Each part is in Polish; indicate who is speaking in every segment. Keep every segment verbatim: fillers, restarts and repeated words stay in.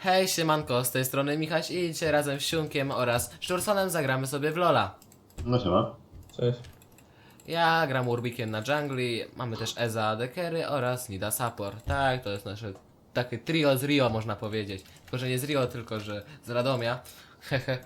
Speaker 1: Hej, siemanko, z tej strony Michaś i dzisiaj razem z Siunkiem oraz Szczursonem zagramy sobie w Lola.
Speaker 2: No siema.
Speaker 3: Cześć.
Speaker 1: Ja gram Urbikiem na jungli, mamy też Eza Dekery oraz Nida Support. Tak, to jest nasze takie trio z Rio, można powiedzieć. Tylko, że nie z Rio, tylko że z Radomia. Hehe.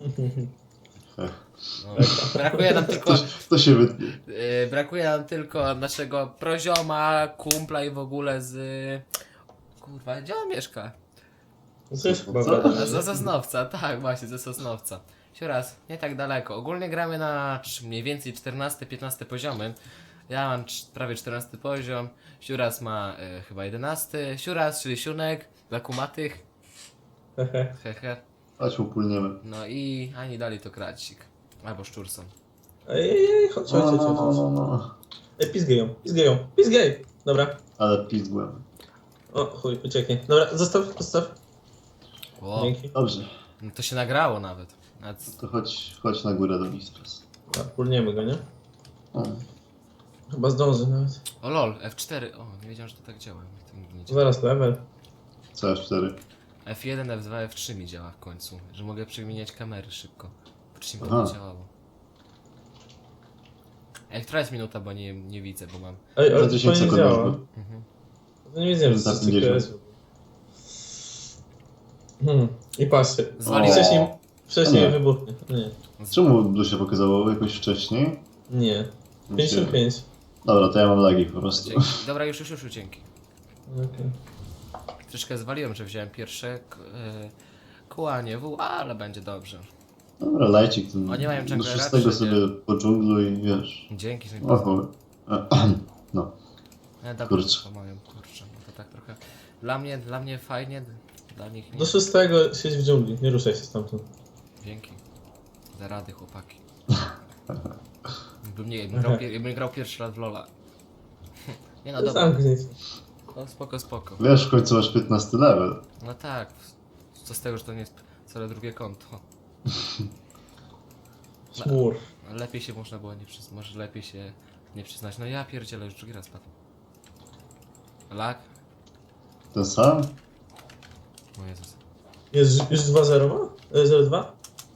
Speaker 1: No, brakuje nam tylko,
Speaker 2: To, to się wytnie.
Speaker 1: yy, brakuje nam tylko naszego prozioma, kumpla i w ogóle z... Kurwa, gdzie on mieszka?
Speaker 3: Coś chyba
Speaker 2: Co?
Speaker 3: wiadomo.
Speaker 1: Ze Sosnowca, tak właśnie, ze Sosnowca. Jeszcze raz, nie tak daleko. Ogólnie gramy na cz- mniej więcej czternaste piętnaste poziomy. Ja mam cz- prawie czternasty poziom, Siuras ma e, chyba jedenasty. Siuras, czyli Siunek, dla kumatych,
Speaker 3: Hehe.
Speaker 1: hehe.
Speaker 2: Chodź upólniemy.
Speaker 1: No i ani dali to Kracik. Albo Szczurson.
Speaker 3: Ej, ej, ej, chodź, chodź,
Speaker 2: No,
Speaker 3: chodź,
Speaker 2: no,
Speaker 3: chodź.
Speaker 2: no, no, no.
Speaker 3: Ej, pizgaj ją, pizgaj ją, pizgaj! Dobra.
Speaker 2: Ale pizgłem.
Speaker 3: O, chuj, ucieknie. Dobra, zostaw, zostaw.
Speaker 1: Ło,
Speaker 3: Dzięki.
Speaker 2: Dobrze.
Speaker 1: no to się nagrało nawet. Nawet...
Speaker 2: To chodź, chodź na górę do Mistrz.
Speaker 3: Dobra, pulniemy go, nie?
Speaker 2: O.
Speaker 3: Chyba zdąży nawet.
Speaker 1: O lol, F cztery. O, nie wiedziałem, że to tak działa. To nigdy nie działa.
Speaker 3: Zaraz level.
Speaker 2: C F cztery.
Speaker 1: F jeden, F dwa, F trzy mi działa w końcu, że mogę przemieniać kamery szybko. Wcześniej to
Speaker 2: Aha.
Speaker 1: nie działało. Ej, która jest minuta, bo nie, nie widzę, bo mam...
Speaker 3: Ej,
Speaker 2: Za
Speaker 3: ale to
Speaker 2: dziesięć
Speaker 3: nie
Speaker 2: sekund
Speaker 3: działa.
Speaker 2: masz go.
Speaker 1: Mhm.
Speaker 3: To nie wiedziałem, że
Speaker 2: Za
Speaker 3: to jest
Speaker 2: pięćdziesiąt.
Speaker 3: Hmm. I patrzcie.
Speaker 1: Zwaliłem.
Speaker 3: Wcześniej, wcześniej
Speaker 2: Nie.
Speaker 3: wybuchnie. Nie.
Speaker 2: Czemu tu się pokazało jakoś wcześniej?
Speaker 3: Nie. pięćdziesiąt pięć.
Speaker 2: Dobra, to ja mam lagi po prostu.
Speaker 1: Dzięki. Dobra, już, już, już, dzięki.
Speaker 3: Okej.
Speaker 1: Troszkę zwaliłem, że wziąłem pierwsze k- e, kołanie W, ale będzie dobrze.
Speaker 2: Dobra, lajcik ten.
Speaker 1: Oni mają
Speaker 2: Do
Speaker 1: junglera,
Speaker 2: szóstego
Speaker 1: czy
Speaker 2: sobie po dżunglu i wiesz.
Speaker 1: Dzięki, że mi
Speaker 2: O chuj. No.
Speaker 1: e, dobrze,
Speaker 2: kurczę.
Speaker 1: pomagają, kurczę. No to tak trochę... Dla mnie, dla mnie fajnie, dla nich nie.
Speaker 3: Do szóstego siedź w dżungli, nie ruszaj się stamtąd.
Speaker 1: Dzięki. Za rady, chłopaki. Bym nie, bym grał, pier- bym grał pierwszy raz w Lola. Nie no, dobra.
Speaker 3: Zamknij się.
Speaker 1: No, spoko, spoko.
Speaker 2: Wiesz, w końcu masz piętnasty level.
Speaker 1: No tak, co z tego, że to nie jest wcale drugie konto.
Speaker 3: Smur.
Speaker 1: Lepiej się można było nie przyznać, może lepiej się nie przyznać. No ja pierdzielę, już drugi raz padł. Lak?
Speaker 2: Ten sam?
Speaker 1: O Jezus.
Speaker 3: Jest już dwa zero ma? E, zero dwa?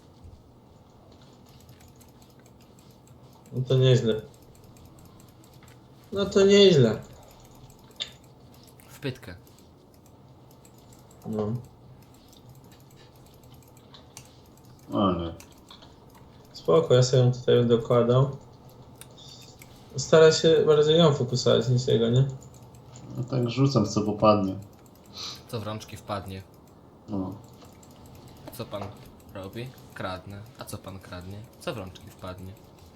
Speaker 3: No to nieźle. No to nieźle.
Speaker 1: W pytkę.
Speaker 3: No.
Speaker 2: O nie.
Speaker 3: Spoko, ja sobie ją tutaj dokładał. Staraj się bardziej ją fokusować niż jego, nie?
Speaker 2: No tak rzucam co popadnie.
Speaker 1: Co w rączki wpadnie?
Speaker 2: No.
Speaker 1: Co pan robi? Kradnę. A co pan kradnie? Co w rączki wpadnie?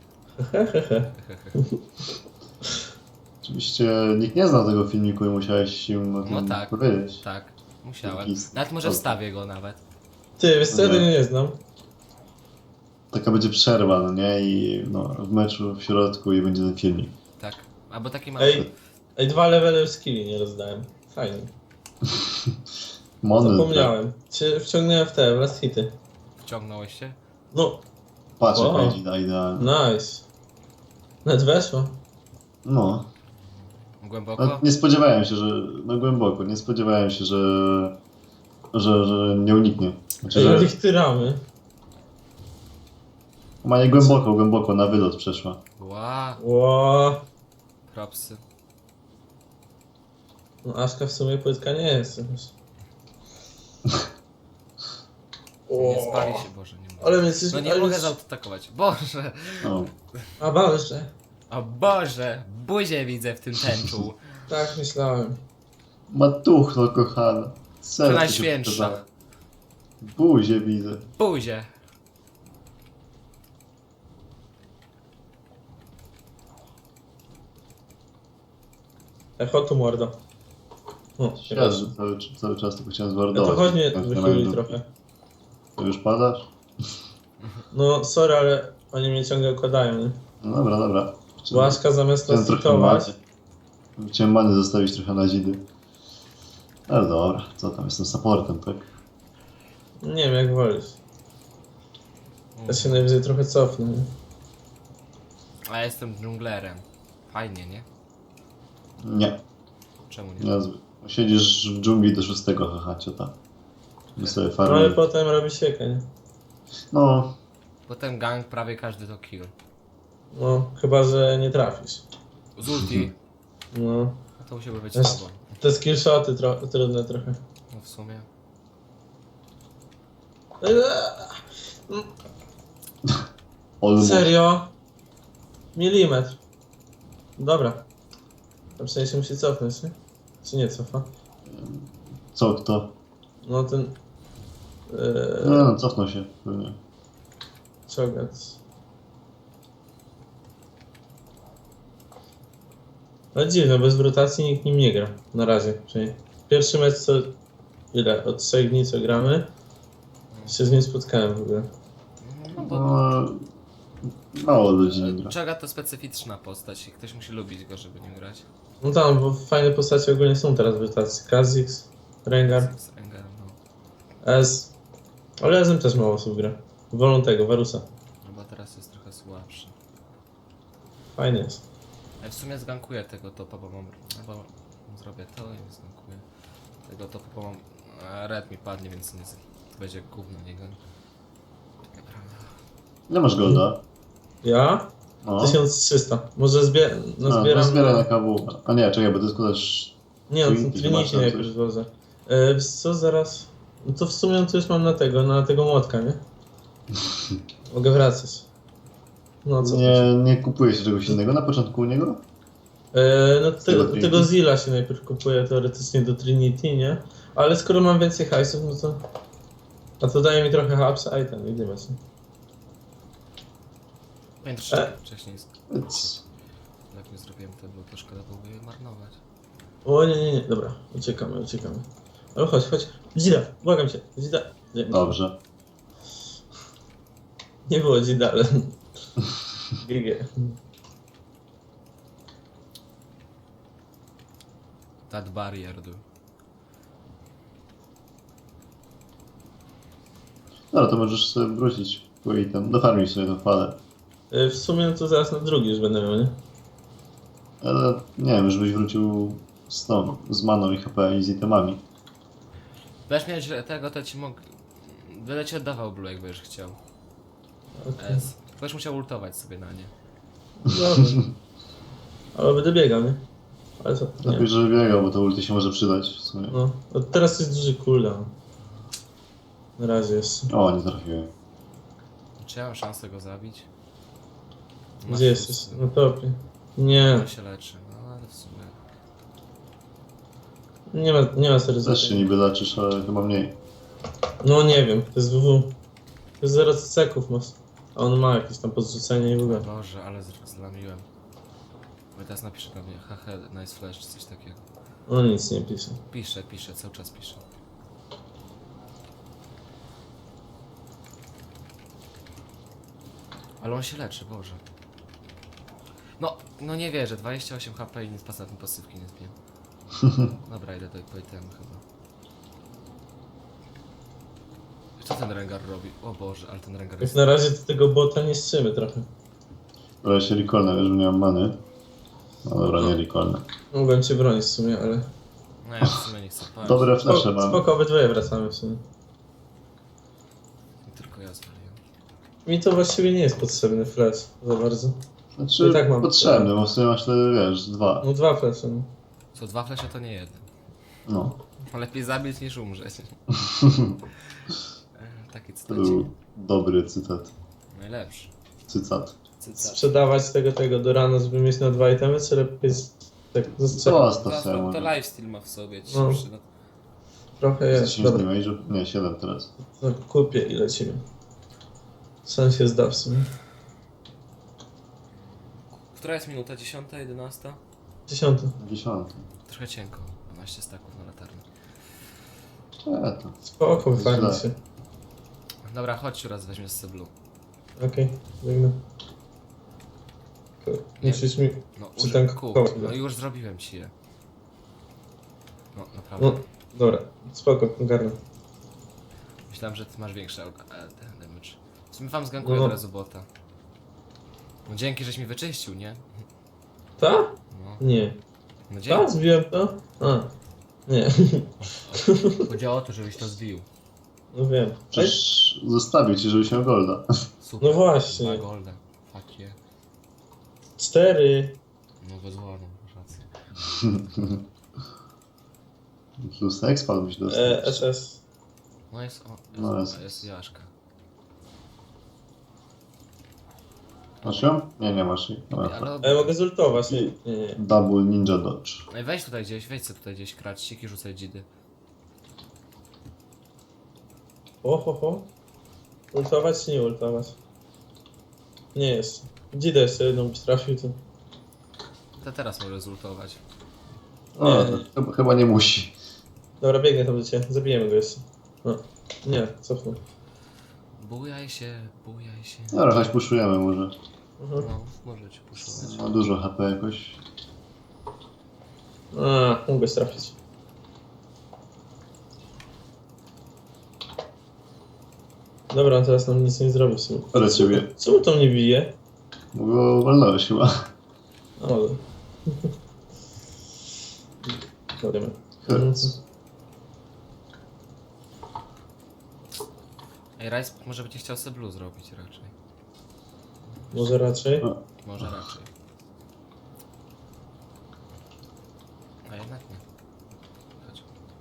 Speaker 2: Oczywiście nikt nie znał tego filmiku i musiałeś im o tym
Speaker 1: No tak.
Speaker 2: powiedzieć.
Speaker 1: Tak, musiałem.
Speaker 2: Jaki-
Speaker 1: Nawet może wstawię go nawet.
Speaker 3: Ty, wiesz co, ja
Speaker 2: Nie.
Speaker 3: tego nie znam.
Speaker 2: Taka będzie przerwa, no nie? I no, w meczu w środku i będzie ten filmik.
Speaker 1: Tak. Albo taki mały.
Speaker 3: Ej, ej, dwa levely skilli nie rozdałem. Fajnie.
Speaker 2: Mony.
Speaker 3: Zapomniałem. Cię wciągnąłem w te, w last hity.
Speaker 1: Wciągnąłeś się?
Speaker 3: No,
Speaker 2: Patrz
Speaker 3: O.
Speaker 2: jaka idzie idealnie.
Speaker 3: nice. Nawet weszło.
Speaker 2: No.
Speaker 1: Głęboko?
Speaker 2: no. Nie spodziewałem się, że... No głęboko. Nie spodziewałem się, że... Że, że nie uniknie. Znaczy,
Speaker 3: Ej,
Speaker 2: że...
Speaker 3: ich tyramy.
Speaker 2: Ma nie głęboko, głęboko na wylot przeszła.
Speaker 1: Ła,
Speaker 3: Ło.
Speaker 1: propsy.
Speaker 3: No Aszka w sumie płytka nie jest. jakoś.
Speaker 1: Nie spali się, Boże, nie mogę.
Speaker 3: Ale mnie coś...
Speaker 1: No nie
Speaker 3: ale
Speaker 1: mogę
Speaker 3: coś-
Speaker 1: zaatakować. Boże!
Speaker 2: No.
Speaker 3: A Boże.
Speaker 1: O Boże! Buzię widzę w tym tęczu.
Speaker 3: Tak myślałem.
Speaker 2: Matuchno kochana. Serce się
Speaker 1: Najświętsza.
Speaker 2: pokazało. Buzię widzę.
Speaker 1: Buzię!
Speaker 3: Echo tu mordo. O,
Speaker 2: Ja, że cały, cały czas tylko chciałem
Speaker 3: Ja
Speaker 2: zwardować.
Speaker 3: to chodź mnie
Speaker 2: Tak,
Speaker 3: wychyli
Speaker 2: na-
Speaker 3: trochę.
Speaker 2: To już padasz?
Speaker 3: No sorry, ale oni mnie ciągle układają, nie?
Speaker 2: No dobra, dobra.
Speaker 3: Bo Aszka zamiast
Speaker 2: Chciałem
Speaker 3: nas
Speaker 2: trochę
Speaker 3: hitować...
Speaker 2: many. Chciałem many zostawić trochę na zidy. Ale dobra, co tam, jestem supportem, tak?
Speaker 3: Nie wiem, jak wolisz. Ja się najwyżej trochę cofnę, nie?
Speaker 1: A ja jestem dżunglerem. Fajnie, nie?
Speaker 2: Nie,
Speaker 1: Czemu nie?
Speaker 2: niezły. Siedzisz w dżungli do szóstego, haha, ciota. Wy sobie
Speaker 3: No ale
Speaker 2: farmy.
Speaker 3: potem robi siekę, nie?
Speaker 2: No,
Speaker 1: Potem gang prawie każdy to kill.
Speaker 3: No, chyba, że nie trafisz.
Speaker 1: Z ulti.
Speaker 3: No.
Speaker 1: No to musiałby być
Speaker 3: Jest-
Speaker 1: słabo.
Speaker 3: Te skillshoty tro trudne trochę.
Speaker 1: No w sumie.
Speaker 2: almost.
Speaker 3: Serio? Milimetr. Dobra. A przynajmniej się musi cofnąć, nie? Czy nie cofa?
Speaker 2: Co, kto?
Speaker 3: No ten...
Speaker 2: No,
Speaker 3: Yy,
Speaker 2: no, cofnął się pewnie.
Speaker 3: Czogat. No dziwne, bez rotacji nikt nim nie gra. Na razie. Przynajmniej. Pierwszy mecz co... Ile? Od trzech dni co gramy? Się z nim spotkałem w ogóle.
Speaker 1: No bo
Speaker 2: No, mało ludzi nie gra.
Speaker 1: Czaga to specyficzna postać i ktoś musi lubić go, żeby nim grać.
Speaker 3: No tam, bo fajne postacie ogólnie są teraz w rotacji. Kha'Zix, Rengar,
Speaker 1: Z Rengarem, no.
Speaker 3: Ez. Ale Ezem też mało osób gra. Wolą tego, Varusa.
Speaker 1: No bo teraz jest trochę słabszy.
Speaker 3: Fajnie jest.
Speaker 1: Ja w sumie zgankuję tego topa, bo mam... No bo zrobię to i zgankuję. Tego topa, bo mam... A red mi padnie, więc nie... z- To będzie gówno niego. Naprawdę.
Speaker 2: Nie masz golda?
Speaker 3: Ja?
Speaker 2: No.
Speaker 3: tysiąc trzysta. Może zbie... no
Speaker 2: A,
Speaker 3: zbieram...
Speaker 2: no zbieraj na K W. A nie, czekaj, bo to jest też...
Speaker 3: Nie, no
Speaker 2: Trinity,
Speaker 3: Trinity
Speaker 2: masz tam
Speaker 3: najpierw
Speaker 2: coś?
Speaker 3: złożę. E, wiesz co, zaraz... No to w sumie to już mam na tego, na tego młotka, nie? Mogę wracać. No co
Speaker 2: Nie, nie kupuje się czegoś innego na początku u niego?
Speaker 3: E, no
Speaker 2: tego
Speaker 3: tego,
Speaker 2: Trinity?
Speaker 3: tego Zilla się najpierw kupuje teoretycznie do Trinity, nie? Ale skoro mam więcej hajsów, no to... A to daje mi trochę hapsa, i ten, idziemy się.
Speaker 1: Pamiętasz,
Speaker 3: E?
Speaker 1: że wcześniej z...
Speaker 2: Więc...
Speaker 1: jak nie zrobiłem to, było to szkoda byłoby je marnować.
Speaker 3: O nie, nie, nie, dobra, uciekamy, uciekamy. Ale chodź, chodź, Zida, błagam cię, Zida. Nie,
Speaker 2: Dobrze.
Speaker 3: nie było Zida, ale... G G.
Speaker 1: That barrier do.
Speaker 2: Dobra, to możesz sobie wrócić po item. Dofarmić sobie tą falę.
Speaker 3: E, W sumie no to zaraz na drugi już będę miał, nie?
Speaker 2: Ale nie wiem, żebyś wrócił z tą, z maną i H P i z itemami.
Speaker 1: Będziesz miał źle tego, to ci mógł... Będę ci oddawał blue, jak będziesz chciał.
Speaker 3: Okay.
Speaker 1: S. Będziesz musiał ultować sobie na nie.
Speaker 3: Dobra. Ale będę biegał, nie? Ale co? Nie.
Speaker 2: Lepiej, żeby biegał, bo to ulti się może przydać w sumie.
Speaker 3: No, od teraz jest duży cooldown. Na razie jeszcze.
Speaker 2: O, nie trafiłem.
Speaker 1: Czy ja mam szansę go zabić? Masz
Speaker 3: Gdzie
Speaker 1: szósty.
Speaker 3: jesteś? Na topie. Nie,
Speaker 1: On się leczy, no ale w sumie...
Speaker 3: nie ma, nie ma serio
Speaker 2: Też się niby leczysz, ale chyba mniej.
Speaker 3: No nie wiem, to jest W W. To jest zero ceków masz. A on ma jakieś tam podrzucenie i w ogóle.
Speaker 1: Boże, ale z- zlamiłem. Bo teraz napisze do mnie, haha, nice flash, czy coś takiego.
Speaker 3: On nic nie pisze.
Speaker 1: Pisze, pisze, cały czas pisze. Ale on się leczy, Boże. No, no nie wierzę, dwadzieścia osiem H P i nic poza tym pasywki nie zbiłem. Dobra, idę do po itemu chyba. Co ten Rengar robi? O Boże, ale ten Rengar
Speaker 3: Jak
Speaker 1: jest...
Speaker 3: na razie to tego bota niszczymy trochę.
Speaker 2: Ale się recallnę, wiesz, że nie mam many. No dobra, nie recallnę.
Speaker 3: Mogłem cię bronić w sumie, ale...
Speaker 1: No ja w sumie nie chcę paść.
Speaker 2: Dobre flesze
Speaker 3: Spoko,
Speaker 2: mam.
Speaker 3: spoko, obydwoje wracamy w sumie.
Speaker 1: Tylko ja zwaliłem.
Speaker 3: Mi to właściwie nie jest potrzebny flash za bardzo.
Speaker 2: Znaczy,
Speaker 3: I tak mam-
Speaker 2: potrzebny, bo w sumie masz te, wiesz, dwa.
Speaker 3: No dwa flashe, no.
Speaker 1: Co, dwa flesze to nie jeden.
Speaker 2: No.
Speaker 1: Lepiej zabić niż umrzeć. E, Taki
Speaker 2: To
Speaker 1: cytacik.
Speaker 2: był dobry cytat.
Speaker 1: Najlepszy.
Speaker 2: Cytat.
Speaker 1: Cytat.
Speaker 3: Sprzedawać tego, tego do rana, żeby mieć na dwa itemy, czy lepiej z- tak zastrzelić?
Speaker 2: Zostaw
Speaker 1: To,
Speaker 2: sobie
Speaker 1: to
Speaker 2: może.
Speaker 1: lifestyle ma w sobie, ci
Speaker 3: No.
Speaker 1: się przyda.
Speaker 3: Trochę jest,
Speaker 2: dziesięć
Speaker 3: dobra.
Speaker 2: damage'ów? Nie, siedem teraz.
Speaker 3: To kupię i lecimy. Sen się zda w sumie.
Speaker 1: Która jest minuta? Dziesiąta, jedenasta?
Speaker 3: Dziesiąty.
Speaker 2: Dziesiąty.
Speaker 1: Trochę cienko. dwanaście staków na latarni.
Speaker 2: E, to.
Speaker 3: Spoko,
Speaker 2: Źle.
Speaker 3: fajnie się.
Speaker 1: Dobra, chodź raz weźmiesz sobie blue.
Speaker 3: Okej, biegnę. Tylko Musisz mi...
Speaker 1: No,
Speaker 3: Czy
Speaker 1: uż-
Speaker 3: ten
Speaker 1: kup.
Speaker 3: koło-
Speaker 1: No już zrobiłem ci je. No, naprawdę.
Speaker 3: No, dobra, spoko, ogarnę.
Speaker 1: Myślałem, że ty masz większy al- e, ten damage. W sumie wam zgankuję
Speaker 3: No.
Speaker 1: od razu bota. No dzięki, żeś mi wyczyścił, nie?
Speaker 3: Ta?
Speaker 1: No,
Speaker 3: Nie.
Speaker 1: no
Speaker 3: Ta?
Speaker 1: dzięki.
Speaker 3: Zbiłem to? A. Nie.
Speaker 1: Chodziło o to, żebyś to zbił.
Speaker 3: No wiem. Ej,
Speaker 2: Przecież zostawił ci, żeby się golda.
Speaker 1: Super.
Speaker 3: No właśnie.
Speaker 1: Dwa golda. Fuck yeah.
Speaker 3: cztery.
Speaker 1: No bez ładną, masz rację.
Speaker 2: Plus expa byś dostał.
Speaker 3: E, S S.
Speaker 1: No jest, o,
Speaker 2: No
Speaker 1: jest,
Speaker 2: jest.
Speaker 1: jest Jaszka.
Speaker 2: Masz ją? Nie, nie masz jej. Dobra.
Speaker 1: Ale...
Speaker 3: E, mogę zultować. Nie, nie, nie.
Speaker 2: Double ninja dodge.
Speaker 1: Ej, weź tutaj gdzieś, weź sobie tutaj gdzieś kracik i rzucaj dzidy.
Speaker 3: O, ho, ho. Ultować czy nie ultować? Nie jest. Dzidę jeszcze jedną byś trafił, to...
Speaker 1: To teraz może zultować.
Speaker 2: O,
Speaker 3: Nie.
Speaker 2: to chyba, chyba nie musi.
Speaker 3: Dobra, biegnę tam do ciebie. Zabijemy go jeszcze. No. Nie, cofnę.
Speaker 1: Bujaj się, bujaj się.
Speaker 2: Dobra, chodź puszujemy może.
Speaker 3: Mhm.
Speaker 1: No, możecie puszować.
Speaker 2: Ma dużo H P jakoś.
Speaker 3: A, mogę trafić. Dobra, on teraz nam nic nie zrobi w sumie.
Speaker 2: Ale ciebie.
Speaker 3: Czemu to mnie bije?
Speaker 2: Bo go walnąłeś chyba.
Speaker 3: O, dobra. Dobra. Mhm.
Speaker 1: Ej, Rice może będzie chciał sobie blue zrobić raczej.
Speaker 3: Może raczej?
Speaker 2: No.
Speaker 1: Może raczej. A jednak nie. Chodź.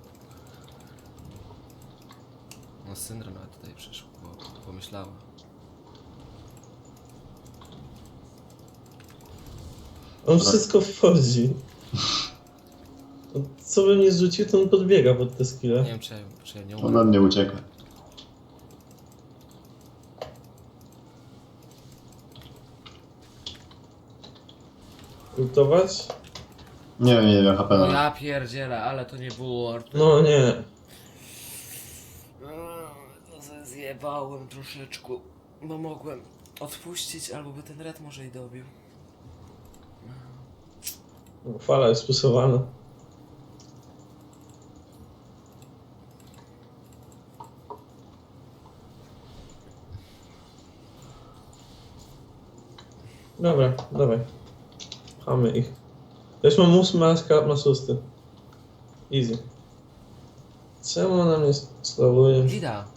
Speaker 1: No syndrom nawet tutaj przyszło, bo pomyślała.
Speaker 3: On wszystko wchodzi. Co bym nie zrzucił, to on podbiega pod te
Speaker 1: Nie
Speaker 3: skille.
Speaker 1: wiem czy, ja- czy ja nie
Speaker 2: Ode
Speaker 1: umiem.
Speaker 2: mnie ucieka.
Speaker 3: Ultować?
Speaker 2: Nie wiem, nie wiem, H P
Speaker 1: No
Speaker 2: na.
Speaker 1: ja pierdzielę, ale to nie było Artur.
Speaker 3: No nie.
Speaker 1: Eee, No se zjebałem troszeczkę, bo mogłem odpuścić, albo by ten red może i dobił.
Speaker 3: Fala jest spusowana. Dobra, dawaj. Chamy ich. Też mam ósmy, a skarb ma szósty. Easy. Czemu ona mnie slowuje?
Speaker 1: Wida.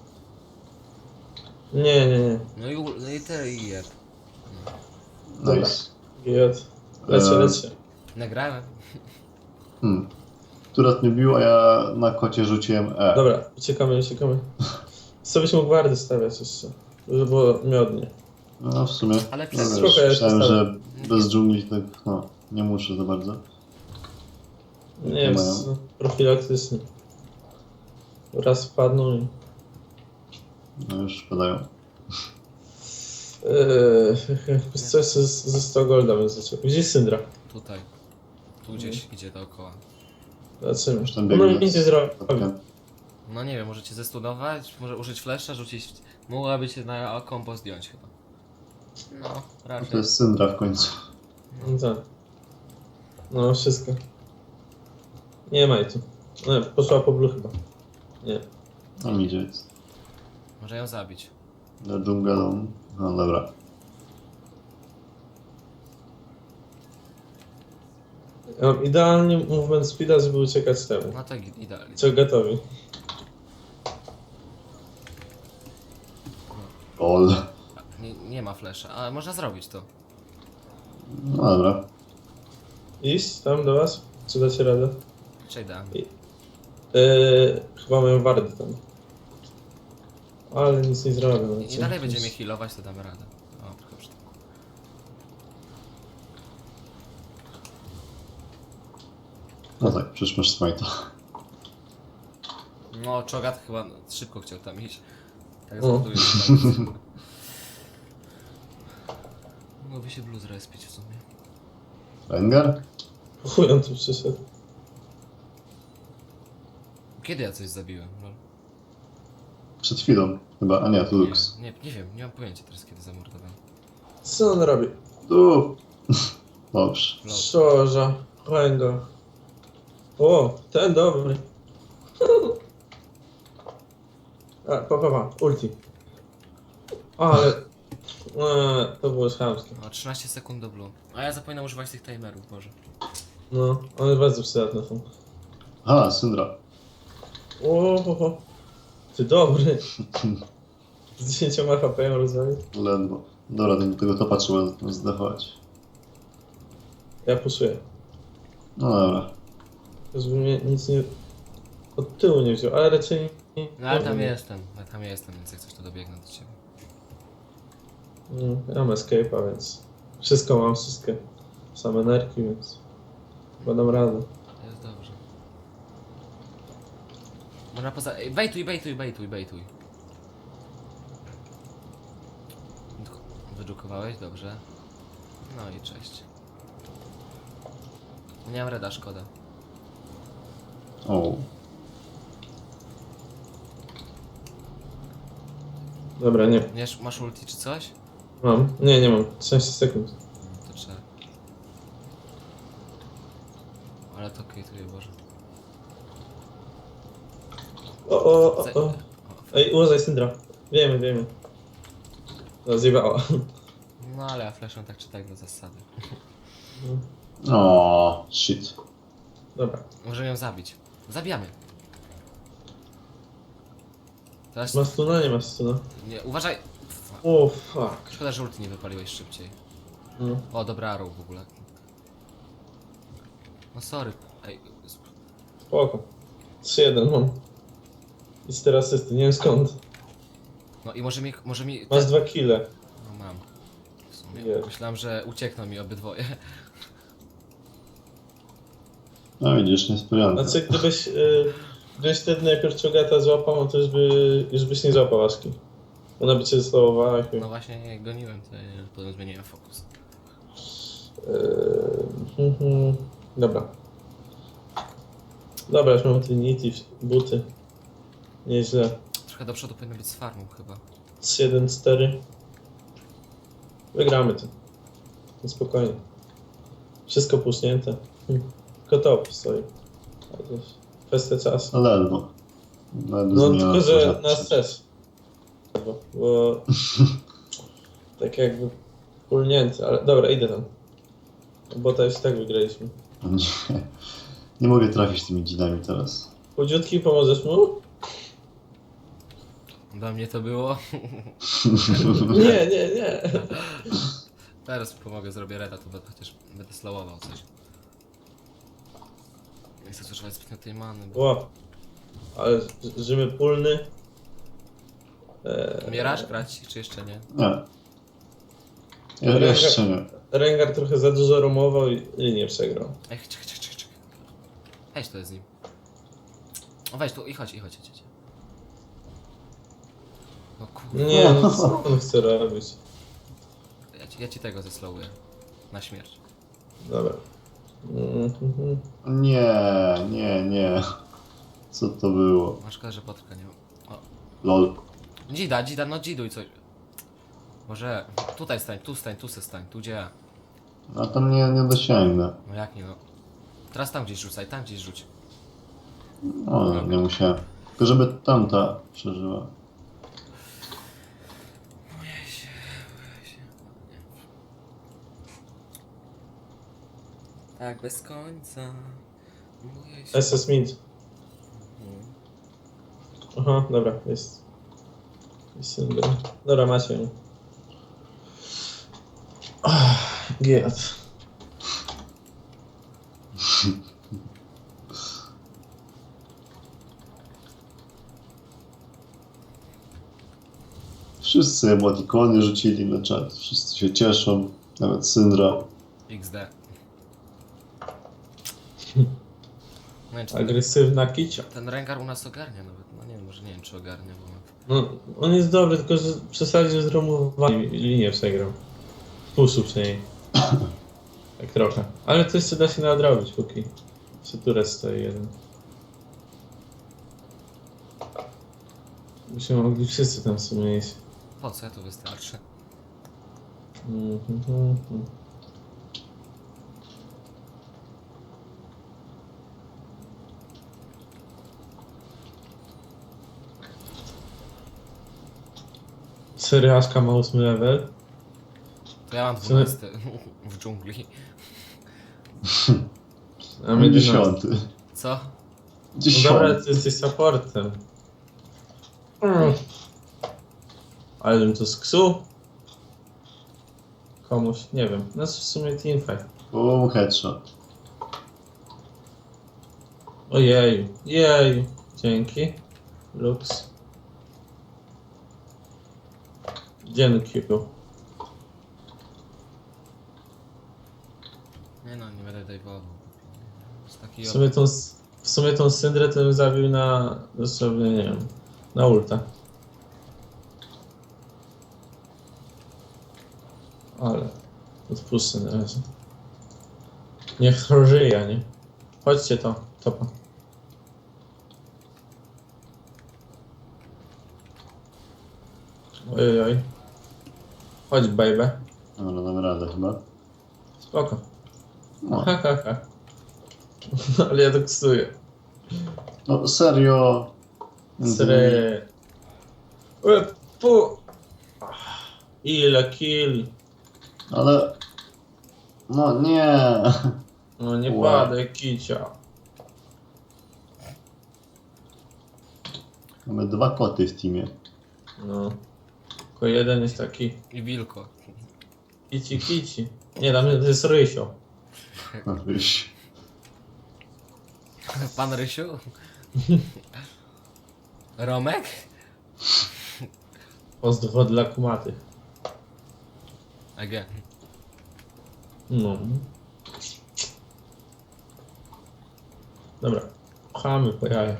Speaker 3: Nie, nie, nie.
Speaker 1: No i, u- no i te i jeb.
Speaker 2: Nice.
Speaker 3: Giot. Lecie,
Speaker 2: Eee.
Speaker 3: lecie.
Speaker 1: Nagrałem.
Speaker 2: Hmm. Turet mnie bił, a ja na kocie rzuciłem E.
Speaker 3: Dobra, uciekamy, uciekamy. Co byś mógł wardy stawiać jeszcze? Żeby było miodnie.
Speaker 2: No w sumie.
Speaker 1: Ale
Speaker 2: No,
Speaker 1: przez-
Speaker 2: wiesz,
Speaker 3: Spoko, ja
Speaker 2: myślałem,
Speaker 3: się
Speaker 2: że bez dżungli tak, no, nie muszę za bardzo.
Speaker 3: Nie
Speaker 2: Jakie
Speaker 3: wiem,
Speaker 2: mają?
Speaker 3: z- profilaktycznie. Raz wpadną i...
Speaker 2: No już padają.
Speaker 3: Eee, coś ze, ze sto golda bym zaczął. Gdzie jest Syndra?
Speaker 1: Tutaj. Tu gdzieś idzie dookoła.
Speaker 3: Zobaczymy.
Speaker 2: Już tam
Speaker 3: Ona
Speaker 2: biegnie
Speaker 3: nic nie
Speaker 2: z
Speaker 3: zrobi.
Speaker 2: kotkiem.
Speaker 1: No nie wiem, możecie zestunować, może użyć flesza, rzucić... Mogłaby cię na kombo zdjąć chyba. No,
Speaker 2: No
Speaker 1: raczej.
Speaker 2: to jest Syndra w końcu.
Speaker 3: No tak. No, wszystko. Nie ma jej tu. No, poszła po blue chyba. Nie.
Speaker 2: Tam idzie. Jest.
Speaker 1: Może ją zabić.
Speaker 2: Na dżunglą. No dobra.
Speaker 3: Ja mam idealnie movement speeda, żeby uciekać temu.
Speaker 1: No to i- idealnie.
Speaker 3: Co gotowi.
Speaker 2: Ol.
Speaker 1: Nie, nie ma flesza, ale można zrobić to.
Speaker 2: No dobra.
Speaker 3: Iść tam do was? Czy dacie radę?
Speaker 1: Przejdę.
Speaker 3: Eee, chyba mają wardy tam. Ale nic nie zrobię. no
Speaker 1: I
Speaker 3: co?
Speaker 1: dalej będziemy healować, to damy radę. O, trochę przy...
Speaker 2: No tak, przecież masz smajta.
Speaker 1: No, Chogat chyba szybko chciał tam iść. Tak
Speaker 3: O.
Speaker 1: zbuduję tam. Mogłoby się blue zrespić w sumie.
Speaker 2: Rengar?
Speaker 3: Chuj on tu przyszedł.
Speaker 1: Kiedy ja coś zabiłem? Lol.
Speaker 2: Przed chwilą chyba, a nie, to Lux.
Speaker 1: Nie, nie, nie wiem, nie mam pojęcia teraz kiedy zamordowałem.
Speaker 3: Co on robi?
Speaker 2: Tu! Dobrze.
Speaker 1: Lol.
Speaker 3: Szorza. Ręga. O, ten dobry. A, pa, pa, pa. Ulti. Ale... Eee, to było chamskie.
Speaker 1: O, trzynaście sekund do blue. A ja zapominam używać tych timerów, Boże.
Speaker 3: No, one bardzo przydatne są.
Speaker 2: Aha, Syndra.
Speaker 3: O, ho, ho. Ty dobry. Z dziesięcioma H P ją rozwalił.
Speaker 2: Ledwo. Dobra, do tego topa trzeba zdechować.
Speaker 3: Ja puszuję.
Speaker 2: No dobra.
Speaker 3: Żeby mnie nic nie... Od tyłu nie wziął, ale raczej nie...
Speaker 1: No ale tam
Speaker 3: nie.
Speaker 1: jestem, ja tam jestem, więc jak coś to dobiegnę do ciebie.
Speaker 3: Mm, Ja mam escape'a, więc... Wszystko mam, wszystkie. Same nerki, więc... Chyba dam radę.
Speaker 1: Jest dobrze. Można poza... Ej, bejtuj, bejtuj, bejtuj, bejtuj. Wydrukowałeś? Dobrze. No i cześć. Nie mam reda, szkoda.
Speaker 2: O.
Speaker 3: Dobra, nie.
Speaker 1: Nie, masz ulti czy coś?
Speaker 3: Mam. Nie, nie mam. trzynaście sekund.
Speaker 1: No, to trzeba. Ale to kejtuje, Boże.
Speaker 3: O, o, o,
Speaker 1: Za-
Speaker 3: o. Ej, uważaj, Syndra. Wiemy, wiemy. No, zjebała.
Speaker 1: No ale ja fleszem tak czy tak do zasady.
Speaker 2: O, shit.
Speaker 3: Dobra.
Speaker 1: Możemy ją zabić. Zabijamy. Teraz...
Speaker 3: Ma stuna? Nie ma stuna.
Speaker 1: Nie, uważaj!
Speaker 3: O, fuck.
Speaker 1: Szkoda, że ulti nie wypaliłeś szybciej.
Speaker 3: No.
Speaker 1: O, dobra arrow w ogóle. No sorry. Ej, sp-
Speaker 3: Spoko. trzy jeden mam. I cztery asysty, nie wiem skąd.
Speaker 1: no i może mi... Może mi...
Speaker 3: Masz dwa kile.
Speaker 1: No mam. W sumie.
Speaker 3: Jest.
Speaker 1: Myślałem, że uciekną mi obydwoje.
Speaker 2: No widzisz, niespodzianka.
Speaker 3: Znaczy, gdybyś, y, gdybyś wtedy najpierw Czogata złapał, to już, by, już byś nie złapał Aszki. Ona by cię zlowowała. Jak...
Speaker 1: No właśnie, jak goniłem, to ja potem zmieniłem fokus.
Speaker 3: Yy, mhm. Dobra. Dobra, już mam Trinity, buty. Nieźle.
Speaker 1: Trochę do przodu powinno być z farmą chyba.
Speaker 3: trzy jeden cztery. Wygramy to. No spokojnie. Wszystko pusznięte. Hm. Tylko top stoi. Ale to jest kwestia czasu.
Speaker 2: No ledwo. Ledwo
Speaker 3: No
Speaker 2: zmieniła
Speaker 3: tylko, że
Speaker 2: rzeczy.
Speaker 3: nas też. Bo, bo tak jakby pulnięty, ale dobra, idę tam. Bo to już tak wygraliśmy.
Speaker 2: Nie. Nie mogę trafić tymi dzinami teraz.
Speaker 3: Chudziutki, pomożesz mu?
Speaker 1: Dla mnie to było.
Speaker 3: Nie, nie, nie.
Speaker 1: Teraz pomogę, zrobię reda, to będę chociaż będę slowował coś. Nie chcę zużywać zbytnio tej many, bo...
Speaker 3: Ło. Ale Rzymy pulny. Eee,
Speaker 1: Umierasz grać, czy jeszcze nie?
Speaker 2: Nie. Ja jeszcze nie.
Speaker 3: Rengar trochę za dużo romował i linię przegrał.
Speaker 1: Ej, czekaj, czekaj, czekaj, czekaj. Weź to z nim. O weź tu i chodź, i chodź, chodź, chodź. No kurde,
Speaker 3: Nie, no co on chce robić?
Speaker 1: ja ci, ja ci tego zeslowuję. Na śmierć.
Speaker 3: Dobra. Mhm.
Speaker 2: Nie, nie, nie. Co to było?
Speaker 1: Masz szkoda, że potrka nie ma. O,
Speaker 2: Lol.
Speaker 1: dzida, dzida, no dziduj coś. Może tutaj stań, tu stań, tu se stań, tu gdzie ja.
Speaker 2: A tam nie, nie dosięgnę.
Speaker 1: No jak nie no. Teraz tam gdzieś rzucaj, tam gdzieś rzuć.
Speaker 2: O, nie musiałem. Tylko żeby tamta przeżyła.
Speaker 1: Tak, bez końca. Boję się.
Speaker 3: S S Mid.
Speaker 1: Mhm.
Speaker 3: Aha, dobra, jest. Jest Syndra. Dobra, macie ją. Giat.
Speaker 2: Wszyscy emotikony rzucili na czat. Wszyscy się cieszą. Nawet Syndra.
Speaker 1: X D. No, czy ten,
Speaker 3: Agresywna kicia.
Speaker 1: ten Rengar u nas ogarnia nawet. No nie wiem, może nie wiem czy ogarnia, bo...
Speaker 3: No, on jest dobry, tylko że przesadził z romowaniem i linię przegrał. Puszu przynajmniej. Tak trochę. Ale to jeszcze da się nadrobić, póki Syturec stoi jeden. Byśmy mogli wszyscy tam w sumie iść.
Speaker 1: Po co ja tu wystarczy?
Speaker 3: Mhm, mhm. Seriaszka ma ósmy level.
Speaker 1: To ja mam
Speaker 3: Co?
Speaker 1: dwunasty w dżungli.
Speaker 3: A my
Speaker 2: Dziesiąty.
Speaker 1: Co?
Speaker 3: No dobra,
Speaker 2: Dziesiąty.
Speaker 3: ty jesteś supportem. Mm. Ale bym to sksuł? Komuś, nie wiem. No w sumie teamfight.
Speaker 2: Bum, headshot.
Speaker 3: Ojej, jej. Dzięki. Lux. Dzięki.
Speaker 1: Nie no, nie będę dajwował. Jest taki
Speaker 3: W sumie tą, w sumie tą syndrę to bym zabił na, dosłownie, nie wiem, na ulta. Ale odpuszczę na razie. Niech to żyje, nie? Chodźcie to, topa. Ojej, oj. Chodź, baby.
Speaker 2: Dobra, dam radę chyba.
Speaker 3: Spoko.
Speaker 2: No,
Speaker 3: Ha, ha, ha. Ale ja to ksuję.
Speaker 2: no serio.
Speaker 3: Sre. Ue, pu. Ile kill.
Speaker 2: Ale... No nie.
Speaker 3: No nie
Speaker 2: Ue.
Speaker 3: padaj, kicia.
Speaker 2: Mamy dwa koty w teamie.
Speaker 3: No. Tylko jeden jest taki
Speaker 1: I wilko.
Speaker 3: kici kici. Nie, tam jest Rysio.
Speaker 2: No wyś.
Speaker 1: Pan Rysiu? Romek?
Speaker 3: Pozdro dla kumatych.
Speaker 1: Again.
Speaker 3: No. Dobra. Pchamy po jaja.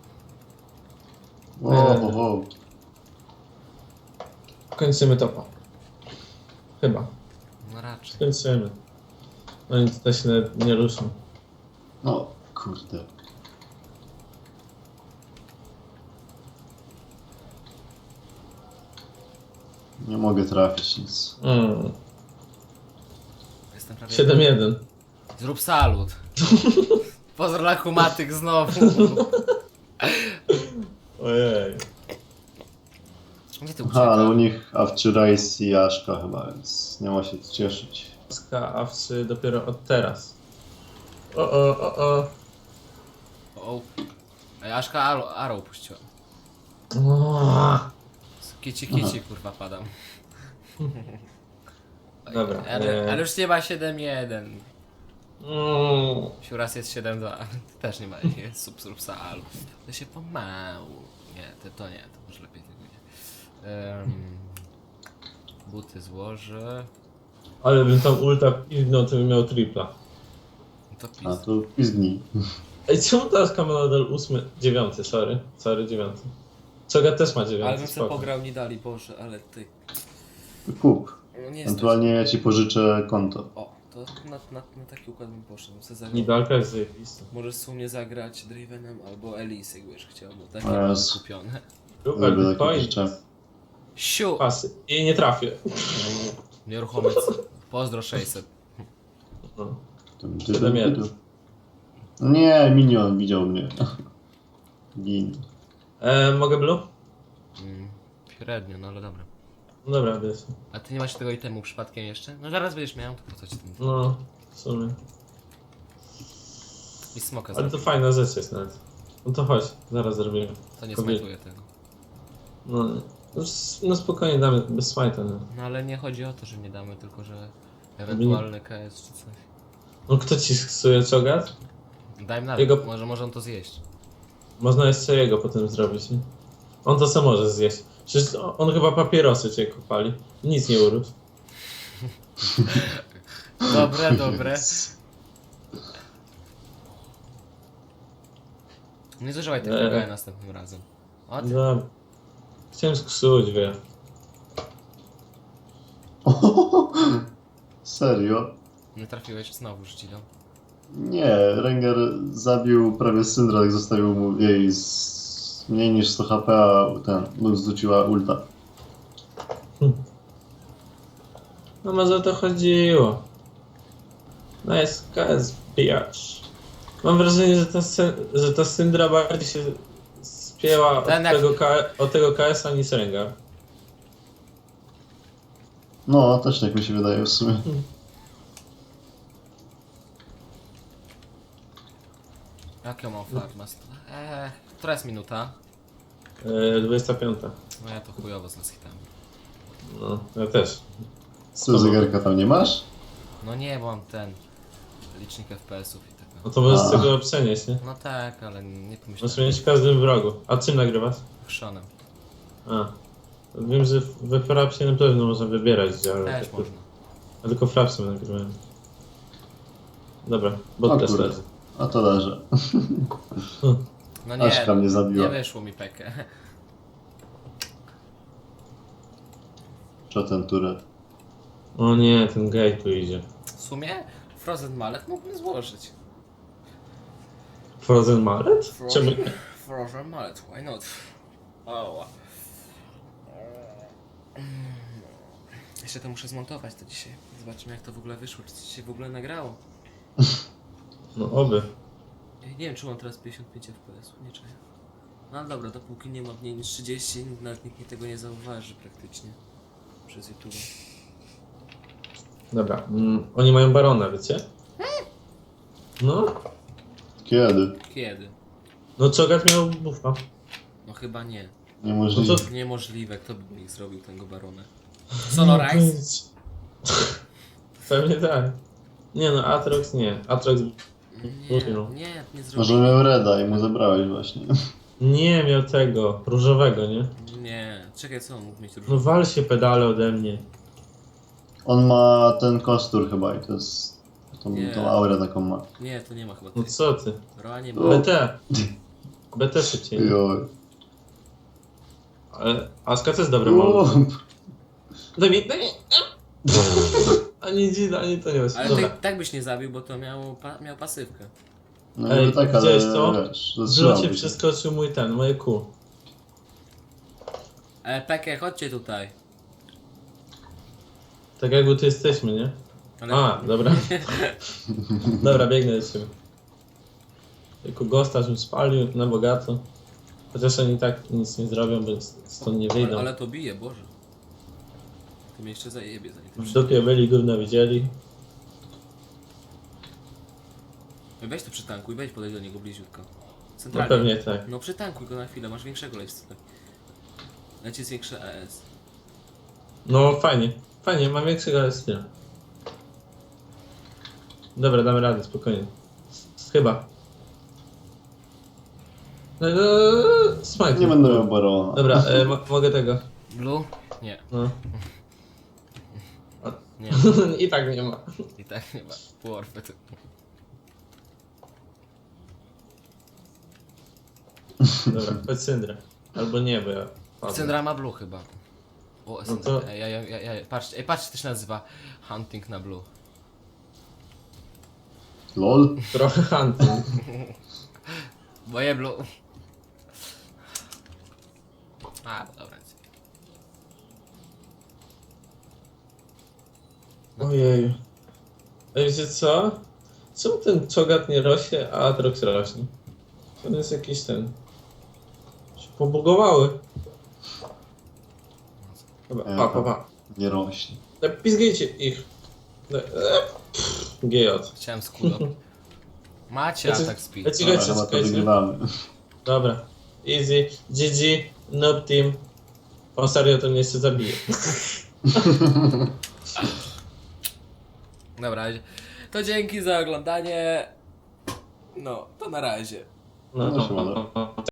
Speaker 2: Wow, wow, wow.
Speaker 3: Kończymy topa. Chyba.
Speaker 1: No raczej.
Speaker 3: Skończymy. Oni tutaj się nawet nie ruszą.
Speaker 2: No, kurde. Nie mogę trafić nic.
Speaker 3: Mm.
Speaker 1: Jestem prawie...
Speaker 3: siedem jeden.
Speaker 1: Zrób salut. Pozdro dla kumatych znowu.
Speaker 3: Ojej.
Speaker 1: Gdzie ty
Speaker 2: Aha, ale u
Speaker 1: uciekasz?
Speaker 2: nich Avcurice i Aszka chyba, więc nie ma się co cieszyć.
Speaker 3: Ska awcy dopiero od teraz. O o o o.
Speaker 1: O. Ej, Aszka Arrow, Arrow puściła.
Speaker 3: o.
Speaker 1: Kici kici kurwa padam.
Speaker 3: Dobra.
Speaker 1: Ale,
Speaker 3: e,
Speaker 1: ale już nie ma siedem jeden.
Speaker 3: mm.
Speaker 1: Siuras jest siedem dwa. Też nie ma, jest sub sub salu. To się pomału. Nie, to, to nie, to może lepiej tego nie. Um, buty złożę.
Speaker 3: Ale bym tam ulta piwnął, to bym miał tripla.
Speaker 1: No to
Speaker 2: A
Speaker 1: pis.
Speaker 2: to pizdni.
Speaker 3: Ej, czemu teraz ma nadal ósmy, dziewiąty, sorry, sorry, dziewiąty. Czoga też ma
Speaker 1: Ale
Speaker 3: dziewiąty,
Speaker 1: bym sobie
Speaker 3: spoko.
Speaker 1: pograł, nie dali, Boże, ale ty.
Speaker 2: Kup.
Speaker 1: No nie
Speaker 2: Ewentualnie ja ci pożyczę konto.
Speaker 1: O, to na, na, na taki układ bym poszedł. Se zagrał.
Speaker 3: Nidalka jest zajebista.
Speaker 1: Możesz w sumie zagrać Dravenem albo Elise, jakby już chciał, bo takie
Speaker 2: O
Speaker 1: mam
Speaker 2: Jezu.
Speaker 1: kupione.
Speaker 3: Super,
Speaker 2: Lubię takie
Speaker 3: point.
Speaker 2: rzeczy.
Speaker 1: Siu!
Speaker 3: Pasy. I nie trafię.
Speaker 1: Nieruchomy. Pozdro sześćset.
Speaker 3: No.
Speaker 2: Tym
Speaker 3: Siedem
Speaker 2: typem
Speaker 3: jeden.
Speaker 2: tytu. Nie, minion widział mnie. Gin.
Speaker 3: E, mogę blue?
Speaker 1: Mm, średnio, no ale dobra.
Speaker 3: No dobra, jest.
Speaker 1: A ty nie masz tego itemu przypadkiem jeszcze? No zaraz będziesz miał, to po co ci ten...
Speaker 3: No, w sumie.
Speaker 1: I smoka
Speaker 3: Ale to
Speaker 1: zrobię.
Speaker 3: fajna rzecz jest nawet. No to chodź, zaraz zrobimy.
Speaker 1: To nie
Speaker 3: kobiet.
Speaker 1: smajtuję tego.
Speaker 3: No, no, s- no spokojnie damy, bez smajta. No.
Speaker 1: No ale nie chodzi o to, że nie damy, tylko że ewentualny K S czy coś.
Speaker 3: no kto ci skasuje czogat?
Speaker 1: Daj mi nawet,
Speaker 3: Jego-
Speaker 1: może, może on to zjeść.
Speaker 3: Można jeszcze jego potem zrobić, nie? On to sam może zjeść. Przecież on, on chyba papierosy cię kopali. Nic nie urósł.
Speaker 1: Dobre, dobre. Nie zużywaj tego
Speaker 3: Eee.
Speaker 1: eee. następnym razem. O, ty.
Speaker 3: No, chciałem sksuć, wie.
Speaker 2: Serio?
Speaker 1: Nie trafiłeś, znowu rzuciłem.
Speaker 2: Nie, Rengar zabił prawie Syndra, jak zostawił mu jej z mniej niż sto H P, a ten Lux rzuciła ulta.
Speaker 3: No może o to chodziło. Nice, K S bitch. Mam wrażenie, że ta, sy- że ta Syndra bardziej się spięła od
Speaker 1: Ten jak-
Speaker 3: tego, K- od tego K S-a niż Rengar.
Speaker 2: No, też tak mi się wydaje w sumie.
Speaker 1: Jak ja mam farma? Eee, która jest minuta?
Speaker 3: Yy, dwudziesta piąta.
Speaker 1: No ja to chujowo z las hitami.
Speaker 3: No, ja też.
Speaker 2: Co, zegarka tam nie masz?
Speaker 1: No nie, bo mam ten licznik F P S-ów i tak.
Speaker 3: No to możesz
Speaker 2: A.
Speaker 3: z tego przenieść, nie?
Speaker 1: No tak, ale nie
Speaker 3: Możesz
Speaker 1: pomyślałem.
Speaker 3: mieć w każdym wrogu. A czym nagrywasz?
Speaker 1: Chrzonem.
Speaker 3: A. Wiem, że we Frapsie na pewno można wybierać, gdzie, ale
Speaker 1: Też
Speaker 3: tylko,
Speaker 1: można.
Speaker 3: a tylko Frapsem nagrywałem. Dobra,
Speaker 2: O
Speaker 3: bot też
Speaker 2: kurde.
Speaker 3: leży.
Speaker 2: A to leży.
Speaker 1: No
Speaker 2: Aszka
Speaker 1: nie,
Speaker 2: mnie
Speaker 1: nie
Speaker 2: zabiła.
Speaker 1: wyszło mi pekę.
Speaker 2: Co ten turet?
Speaker 3: O nie, ten gej tu idzie.
Speaker 1: W sumie Frozen Mallet mógłbym złożyć.
Speaker 3: Frozen Mallet? Czemu?
Speaker 1: Frozen, Frozen Mallet, why not? O. Jeszcze to muszę zmontować to dzisiaj. Zobaczymy jak to w ogóle wyszło, czy coś się w ogóle nagrało.
Speaker 3: No oby.
Speaker 1: Ja nie wiem czy mam teraz pięćdziesiąt pięć F P S, nie czuję. No ale dobra, dopóki nie ma mniej niż trzydzieści, nawet nikt mi tego nie zauważy praktycznie. Przez YouTube.
Speaker 3: Dobra, mm, oni mają barona, wiecie? No,
Speaker 2: Kiedy?
Speaker 1: Kiedy?
Speaker 3: no Czogat miał buffa.
Speaker 1: No chyba nie.
Speaker 2: Niemożliwe.
Speaker 3: No to-
Speaker 1: Niemożliwe, kto by mi zrobił tego barona? Sonorize?
Speaker 3: Pewnie tak. Nie no, Atrox nie. Atrox
Speaker 1: Nie, nie, nie
Speaker 2: Może
Speaker 1: zrobił.
Speaker 2: miał Reda i mu zabrałeś właśnie.
Speaker 3: nie miał tego, różowego, nie?
Speaker 1: Nie, czekaj co on mógł mieć
Speaker 3: No
Speaker 1: różne.
Speaker 3: wal się pedale ode mnie.
Speaker 2: On ma ten kostur chyba i to jest... Tą,
Speaker 1: Nie.
Speaker 2: tą aurę taką ma.
Speaker 1: Nie, to nie ma chyba
Speaker 3: No
Speaker 1: tej.
Speaker 3: co ty?
Speaker 1: Roa nie
Speaker 2: O.
Speaker 1: ma.
Speaker 3: B T. B T szybciej.
Speaker 2: Joj.
Speaker 3: Ale Aska to jest dobry
Speaker 2: O,
Speaker 3: moment. Daj mi, daj mi. Ani dzida, ani to nie jest.
Speaker 1: Ale
Speaker 3: Dobra.
Speaker 1: tak, tak byś nie zabił, bo to miał, pa, miał pasywkę.
Speaker 2: No
Speaker 3: Ej,
Speaker 2: niby tak, ale
Speaker 3: widziałeś to?
Speaker 2: wiesz,
Speaker 3: W
Speaker 2: zatrzymał
Speaker 3: locie
Speaker 2: się.
Speaker 3: przeskoczył mój ten, moje kół.
Speaker 1: E, Peke, chodźcie tutaj.
Speaker 3: Tak jakby tu jesteśmy, nie?
Speaker 1: Ale...
Speaker 3: A, dobra. Dobra, biegnę do ciebie. Tylko gosta, żebym spalił na bogato. Chociaż oni tak nic nie zrobią, bo stąd nie wyjdą.
Speaker 1: ale, ale to bije, Boże. To mnie jeszcze zajebie, zanim to
Speaker 3: W
Speaker 1: przyjdzie.
Speaker 3: dupie byli, gówno widzieli.
Speaker 1: Weź to przytankuj, weź podejść do niego bliziutko.
Speaker 3: No
Speaker 1: Centralnie.
Speaker 3: pewnie tak.
Speaker 1: No przytankuj go na chwilę, masz większego lifestyle. Leci zwiększę E S.
Speaker 3: No fajnie, fajnie, mam większego styla. Dobra, damy radę, spokojnie. Chyba. Eee, Smite.
Speaker 2: Nie będę miał barona.
Speaker 3: Dobra, e, mo mogę tego.
Speaker 1: Blue? Nie,
Speaker 3: No.
Speaker 1: nie.
Speaker 3: I tak nie ma.
Speaker 1: I tak nie ma. Warfy.
Speaker 3: Dobra, chodź Syndra. Albo nie, bo ja... padłem.
Speaker 1: Syndra ma Blue chyba. O,
Speaker 3: No
Speaker 1: Syndra.
Speaker 3: to-
Speaker 1: Ej, ja, ja, ja, ja, patrzcie, ej, patrzcie, to się nazywa Hunting na Blue.
Speaker 2: LOL?
Speaker 3: Trochę hunting.
Speaker 1: Moje Blue. A, dobra.
Speaker 3: Ojej. A wiecie co? Czemu ten Czogat nie rośnie, a Atrox rośnie? To jest jakiś ten... się pobugowały. Dobra,
Speaker 2: Ja
Speaker 3: pa, pa,
Speaker 2: tam-
Speaker 3: pa.
Speaker 2: Nie rośnie.
Speaker 3: E, Pizgajcie ich. E, e, pff, G J.
Speaker 1: Chciałem skulo. Macie
Speaker 3: Ja ci-
Speaker 1: atak speed.
Speaker 3: ja ci-
Speaker 2: Dobra,
Speaker 3: Czekajcie,
Speaker 2: chyba to
Speaker 3: czekajcie.
Speaker 2: wygrywamy.
Speaker 3: Dobra. Easy. G G. Noob team. On serio to mnie jeszcze zabije.
Speaker 1: Dobra, to dzięki za oglądanie. No, to na razie.
Speaker 3: No,
Speaker 2: No,
Speaker 3: no,
Speaker 2: siemano.
Speaker 3: no, no.